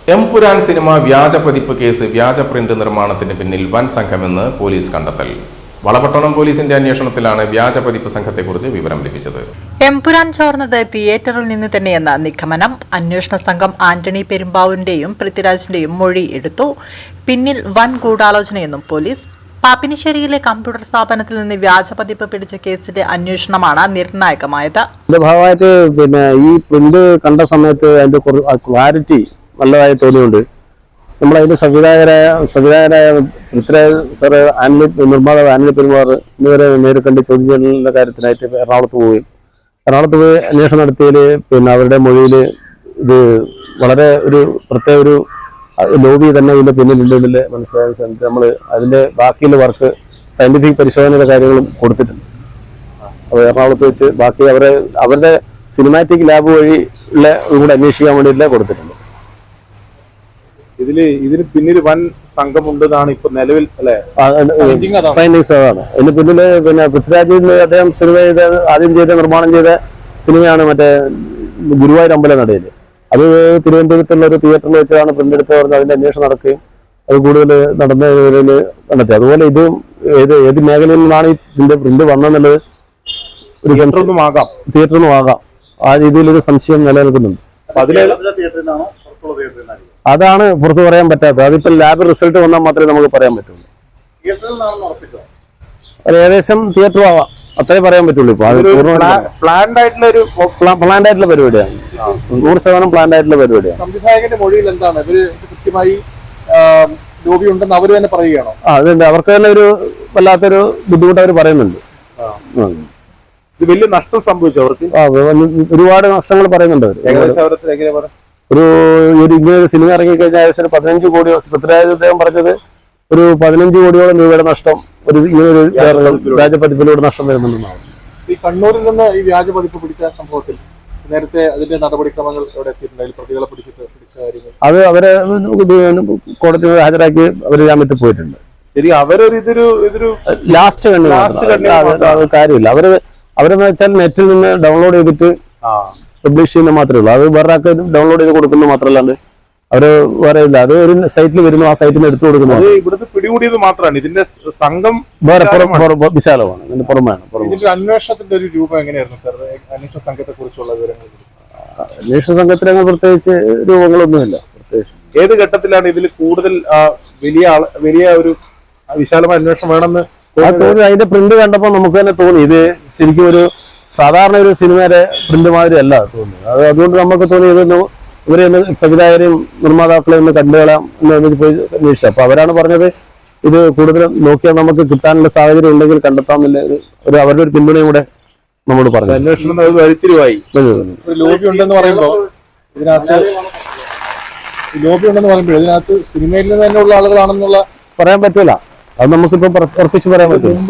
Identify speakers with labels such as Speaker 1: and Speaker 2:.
Speaker 1: Empuraan cinema വ്യാജ പതിപ്പ് case വ്യാജ പ്രിന്റ് നിർമ്മാണത്തിന് പിന്നിൽ വൻ സംഘമെന്ന് പോലീസ് കണ്ടെത്തൽ. വളപട്ടണം പോലീസിന്റെ അന്വേഷണത്തിലാണ് വ്യാജ പതിപ്പ് സംഘത്തെക്കുറിച്ച് വിവരം ലഭിച്ചത്.
Speaker 2: എംപുരാൻ ചോർന്നത് തിയേറ്ററിൽ നിന്ന് തന്നെയെന്ന നിഗമനം. അന്വേഷണ സംഘം ആന്റണി പെരുമ്പാവൂരിന്റെയും പൃഥ്വിരാജിന്റെയും മൊഴി എടുത്തു. പിന്നിൽ വൻ ഗൂഢാലോചനയെന്നും പോലീസ്. പാപ്പിനിശ്ശേരിയിലെ കമ്പ്യൂട്ടർ സ്ഥാപനത്തിൽ നിന്ന് വ്യാജ പതിപ്പ് പിടിച്ച കേസിന്റെ അന്വേഷണമാണ് നിർണായകമായത്.
Speaker 3: ഭാഗമായിട്ട് ഈ പ്രിന്റ് കണ്ട സമയത്ത് അതിന്റെ ക്ലാരിറ്റി നല്ലതായി തോന്നിയുണ്ട്. നമ്മളതിന്റെ സംവിധായകരായ പൃഥ്വിരാജ് സാറ്, നിർമ്മാതാവ് ആന്റണി പെരുമ്പാവൂർ എന്നിവരെ നേരിൽ കണ്ട് ചോദ്യം ചെയ്യലിന്റെ കാര്യത്തിനായിട്ട് എറണാകുളത്ത് പോയി അന്വേഷണം നടത്തിയതിൽ അവരുടെ മൊഴിയിൽ ഇത് വളരെ ഒരു പ്രത്യേക ഒരു ലോബി തന്നെ ഇതിന്റെ പിന്നിലുണ്ടെന്നില്ല മനസ്സിലായ സമയത്ത് നമ്മൾ അതിന്റെ ബാക്കിയുള്ള വർക്ക് സയന്റിഫിക് പരിശോധനയുടെ കാര്യങ്ങളും കൊടുത്തിട്ടുണ്ട്. അപ്പോൾ എറണാകുളത്ത് വെച്ച് ബാക്കി അവരുടെ സിനിമാറ്റിക് ലാബ് വഴി ഉള്ള കൂടെ അന്വേഷിക്കാൻ വേണ്ടിയില്ല കൊടുത്തിട്ടുണ്ട്.
Speaker 4: ഇതിന് പിന്നിൽ വൻ സംഘമുണ്ടെന്നാണ് ഇപ്പൊ നിലവിൽ
Speaker 3: ഫൈൻഡിങ്സ്. അതാണ് ഇതിന് പിന്നില്. പൃഥ്വിരാജിന്റെ അദ്ദേഹം ആദ്യം നിർമ്മാണം ചെയ്ത സിനിമയാണ് മറ്റേ ഗുരുവായൂർ അമ്പലനടയിൽ. അത് തിരുവനന്തപുരത്തുള്ള ഒരു തിയേറ്ററിൽ വെച്ചാണ് പ്രിന്റ് എടുത്ത് പറഞ്ഞ് അതിന്റെ അന്വേഷണം നടക്കുകയും അത് കൂടുതൽ നടന്നതിൽ കണ്ടെത്തി. അതുപോലെ ഇതും ഏത് മേഖലയിൽ നിന്നാണ് ഇതിന്റെ പ്രിന്റ് വന്നെന്നുള്ളത് ഒരു തിയേറ്ററിൽ നിന്നും ആകാം. ആ രീതിയിലൊരു സംശയം നിലനിൽക്കുന്നുണ്ട്. അതാണ് പുറത്തു പറയാൻ പറ്റാത്തത്. അതിപ്പോ ലാബ് റിസൾട്ട് വന്നാൽ മാത്രമേ നമുക്ക് പറയാൻ പറ്റുള്ളൂ. അത് ഏകദേശം തിയേറ്ററും ആവാം, അത്രേ പറയാൻ പറ്റുള്ളൂ. ഇപ്പൊ അത് പ്ലാൻഡ് ആയിട്ടുള്ള പരിപാടിയാണ്. 100% പ്ലാൻഡ് ആയിട്ടുള്ള പരിപാടിയാണ്.
Speaker 4: സംവിധായകന്റെ മൊഴിയിൽ എന്താണ് ഇവര് കൃത്യമായി ലോബി ഉണ്ടെന്ന് അവര് തന്നെ പറയുകയാണോ?
Speaker 3: അതുണ്ട്. അവർക്ക് തന്നെ ഒരു വല്ലാത്തൊരു ബുദ്ധിമുട്ട് അവർ പറയുന്നുണ്ട്.
Speaker 4: ഇത് വലിയ നഷ്ടം സംഭവിച്ചു അവർക്ക്.
Speaker 3: ഒരുപാട് നഷ്ടങ്ങൾ പറയുന്നുണ്ട് അവർ. ഇങ്ങനെ ഒരു സിനിമ ഇറങ്ങിക്കഴിഞ്ഞാൽ ഏകദേശം 15 കോടി. പൃഥ്വിരാജ് അദ്ദേഹം പറഞ്ഞത് ഒരു 15 കോടിയോളം രൂപയുടെ നഷ്ടം ഇങ്ങനൊരു വ്യാജപതിപ്പിലൂടെ നഷ്ടം വരുന്നുണ്ടെന്നാണ്.
Speaker 4: ഈ കണ്ണൂരിൽ നിന്ന് ഈ വ്യാജപതിപ്പ് പിടിച്ച സംഭവത്തിൽ നേരത്തെ അതിന്റെ നടപടിക്രമങ്ങൾ എവിടെ എത്തിയിട്ടുണ്ടായിരുന്നു? പ്രതികളെ പിടിച്ച കാര്യങ്ങൾ അത്
Speaker 3: അവരെ കോടതിയിൽ ഹാജരാക്കി അവര് ജാമ്യത്തിൽ പോയിട്ടുണ്ട്.
Speaker 4: ശരി, ഇതൊരു
Speaker 3: ലാസ്റ്റ് കാര്യമില്ല. അവരെന്ന് വെച്ചാൽ നെറ്റിൽ നിന്ന് ഡൗൺലോഡ് ചെയ്തിട്ട് പബ്ലിഷ് ചെയ്യുന്ന മാത്രമേ ഉള്ളൂ. അത് വേറെ ആൾക്ക് ഡൗൺലോഡ് ചെയ്ത് കൊടുക്കുന്നത് മാത്രമല്ലാണ്ട് അവര് വേറെ ഇല്ല. അത് ഒരു സൈറ്റിൽ വരുന്നു, ആ സൈറ്റിൽ നിന്ന് എടുത്തു കൊടുക്കുന്നത്.
Speaker 4: ഇവിടുത്തെ പിടികൂടിയത് മാത്രമാണ്. ഇതിന്റെ സംഘം
Speaker 3: വേറെ വിശാലമാണ്. ഇതിന്റെ പുറമെയാണ്.
Speaker 4: അന്വേഷണത്തിന്റെ ഒരു രൂപം എങ്ങനെയായിരുന്നു സാർ? അന്വേഷണ സംഘത്തെ കുറിച്ചുള്ള വിവരങ്ങൾ?
Speaker 3: അന്വേഷണ സംഘത്തിന് പ്രത്യേകിച്ച് രൂപങ്ങളൊന്നുമില്ല. പ്രത്യേകിച്ച്
Speaker 4: ഏത് ഘട്ടത്തിലാണ് ഇതിൽ കൂടുതൽ വലിയ ഒരു വിശാലമായ അന്വേഷണം വേണമെന്ന്
Speaker 3: തോന്നി? അതിന്റെ പ്രിന്റ് കണ്ടപ്പോൾ നമുക്ക് തന്നെ തോന്നി ഇത് ശരിക്കും ഒരു സാധാരണ ഒരു സിനിമയുടെ പ്രിന്റ് മാതിരി അല്ല തോന്നുന്നത്. അതുകൊണ്ട് നമുക്ക് തോന്നി ഇതൊന്ന് ഇവരെ സംവിധായകരെയും നിർമ്മാതാക്കളെ ഒന്ന് കണ്ടുകളാം എന്ന് പോയി അന്വേഷിച്ചു. അപ്പൊ അവരാണ് പറഞ്ഞത് ഇത് കൂടുതൽ നോക്കിയാൽ നമുക്ക് കിട്ടാനുള്ള സാഹചര്യം ഉണ്ടെങ്കിൽ കണ്ടെത്താമെന്നില്ല അവരുടെ ഒരു പിന്തുണയും കൂടെ നമ്മോട് പറഞ്ഞു.
Speaker 4: അന്വേഷണം വഴിത്തിരിവായി. ലോബി ഉണ്ടെന്ന് പറയുമ്പോൾ ഇതിനകത്ത് സിനിമയിൽ നിന്ന് തന്നെയുള്ള ആളുകളാണെന്നുള്ള
Speaker 3: പറയാൻ പറ്റൂല. അത് നമുക്കിപ്പോ ഉറപ്പിച്ച് പറയാൻ പറ്റും.